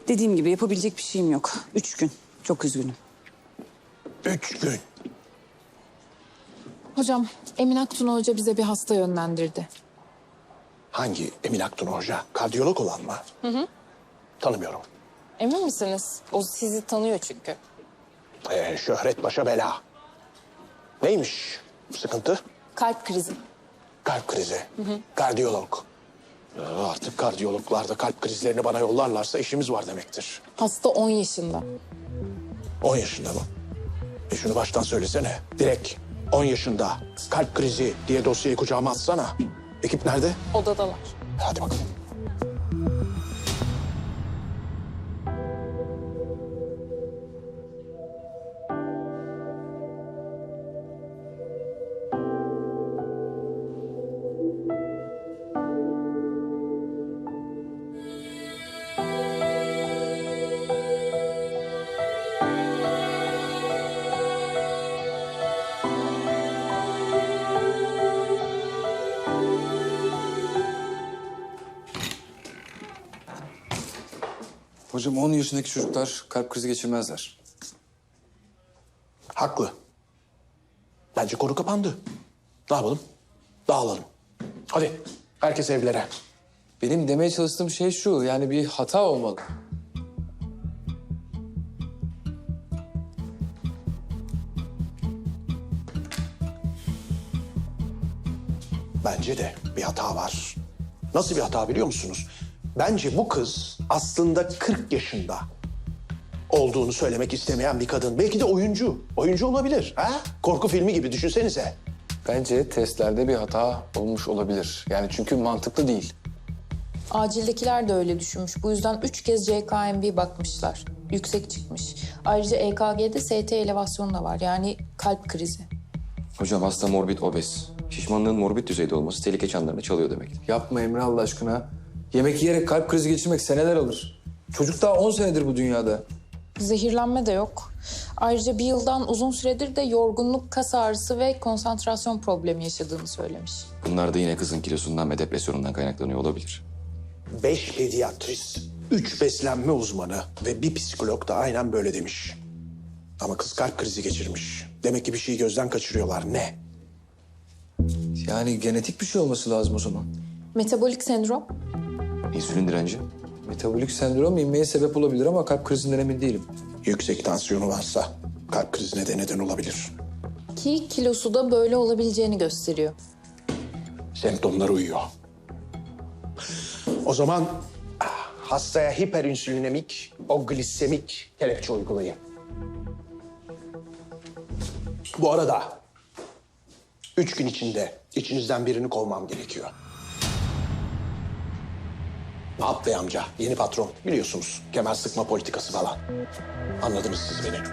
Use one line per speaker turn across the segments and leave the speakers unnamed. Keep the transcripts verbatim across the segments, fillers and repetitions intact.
Dediğim gibi yapabilecek bir şeyim yok. Üç gün. Çok üzgünüm.
Üç gün.
Hocam, Emin Aktun Hoca bize bir hasta yönlendirdi.
Hangi Emin Aktun Hoca? Kardiyolog olan mı? Hı hı. Tanımıyorum.
Emin misiniz? O sizi tanıyor çünkü.
Ee, şöhret başa bela. Neymiş sıkıntı?
Kalp krizi.
Kalp krizi. Hı hı. Kardiyolog. Ee, artık kardiyologlar da kalp krizlerini bana yollarlarsa işimiz var demektir.
Hasta on yaşında.
On yaşında mı? E şunu baştan söylesene. Direkt on yaşında kalp krizi diye dosyayı kucağıma atsana. Ekip nerede?
Odadalar.
Hadi bakalım.
Hocam on yaşındaki çocuklar kalp krizi geçirmezler.
Haklı. Bence konu kapandı. Ne yapalım? Dağılalım. Hadi herkes evlere.
Benim demeye çalıştığım şey şu, yani bir hata olmalı.
Bence de bir hata var. Nasıl bir hata biliyor musunuz? Bence bu kız aslında kırk yaşında olduğunu söylemek istemeyen bir kadın. Belki de oyuncu. Oyuncu olabilir. Ha? Korku filmi gibi düşünsenize.
Bence testlerde bir hata olmuş olabilir. Yani çünkü mantıklı değil.
Acildekiler de öyle düşünmüş. Bu yüzden üç kez C K M B bakmışlar. Yüksek çıkmış. Ayrıca E K G'de S T elevasyonu da var. Yani kalp krizi.
Hocam hasta morbid obez. Şişmanlığın morbid düzeyde olması tehlike çanlarını çalıyor demektir.
Yapma Emre Allah aşkına. Yemek yiyerek kalp krizi geçirmek seneler alır. Çocuk daha on senedir bu dünyada.
Zehirlenme de yok. Ayrıca bir yıldan uzun süredir de yorgunluk, kas ağrısı ve konsantrasyon problemi yaşadığını söylemiş.
Bunlar da yine kızın kilosundan ve depresyonundan kaynaklanıyor olabilir.
Beş pediatrist, üç beslenme uzmanı ve bir psikolog da aynen böyle demiş. Ama kız kalp krizi geçirmiş. Demek ki bir şeyi gözden kaçırıyorlar. Ne?
Yani genetik bir şey olması lazım o zaman.
Metabolik sendrom.
İnsülin direnci.
Metabolik sendrom inmeye sebep olabilir ama kalp krizinden emin değilim.
Yüksek tansiyonu varsa kalp krizine de neden olabilir.
Ki kilosu da böyle olabileceğini gösteriyor.
Semptomlar uyuyor. O zaman ah, hastaya hiperinsülinemik, o glisemik kelepçe uygulayın. Bu arada üç gün içinde içinizden birini kovmam gerekiyor. Ne yap bey amca? Yeni patron. Biliyorsunuz kemer sıkma politikası falan. Anladınız siz beni.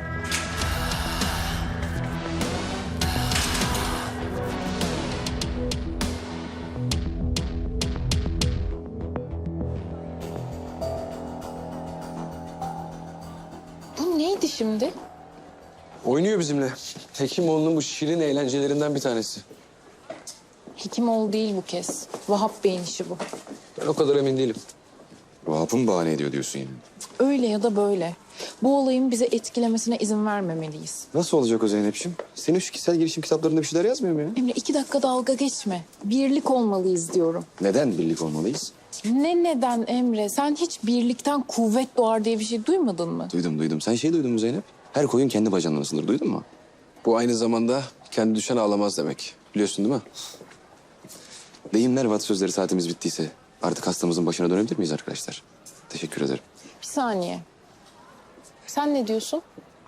Bu neydi şimdi?
Oynuyor bizimle. Hekimoğlu'nun bu şirin eğlencelerinden bir tanesi.
Hekimoğlu değil bu kez. Vahap Bey'in işi bu.
Ben o kadar emin değilim.
Vahap'ı mı bahane ediyor diyorsun yani?
Öyle ya da böyle. Bu olayın bize etkilemesine izin vermemeliyiz.
Nasıl olacak o Zeynep'ciğim? Senin şu kişisel gelişim kitaplarında bir şeyler yazmıyor mu ya?
Emre iki dakika dalga geçme. Birlik olmalıyız diyorum.
Neden birlik olmalıyız?
Ne neden Emre? Sen hiç birlikten kuvvet doğar diye bir şey duymadın mı?
Duydum duydum. Sen şey duydun mu Zeynep? Her koyun kendi bacağından ısınır. Duydun mu?
Bu aynı zamanda kendi düşen ağlamaz demek. Biliyorsun değil mi?
Deyimler ve atasözleri saatimiz bittiyse artık hastamızın başına dönebilir miyiz arkadaşlar? Teşekkür ederim.
Bir saniye. Sen ne diyorsun?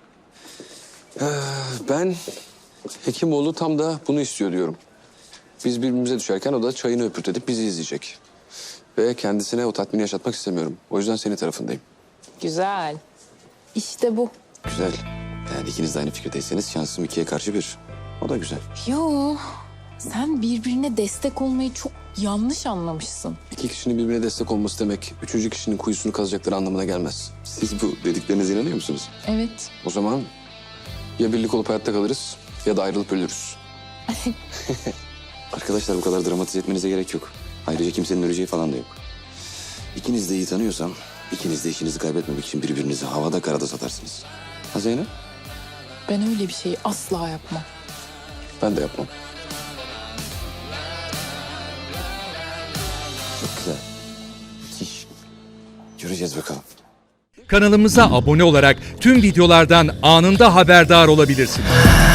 Ben Hekimoğlu tam da bunu istiyor diyorum. Biz birbirimize düşerken o da çayını öpürtedip bizi izleyecek. Ve kendisine o tatmini yaşatmak istemiyorum. O yüzden senin tarafındayım.
Güzel. İşte bu.
Güzel. Yani ikiniz de aynı fikirdeyseniz şansım ikiye karşı bir. O da güzel.
Yo, sen birbirine destek olmayı çok yanlış anlamışsın.
İki kişinin birbirine destek olması demek üçüncü kişinin kuyusunu kazacakları anlamına gelmez.
Siz bu dediklerinize inanıyor musunuz?
Evet.
O zaman ya birlik olup hayatta kalırız ya da ayrılıp ölürüz.
Arkadaşlar bu kadar dramatize etmenize gerek yok. Ayrıca kimsenin öleceği falan da yok. İkiniz de iyi tanıyorsam İkiniz de işinizi kaybetmemek için birbirinizi havada karada satarsınız. Ha Zeynep?
Ben öyle bir şeyi asla yapmam.
Ben de yapmam.
Çok güzel. Müthiş. Göreceğiz bakalım.
Kanalımıza abone olarak tüm videolardan anında haberdar olabilirsiniz.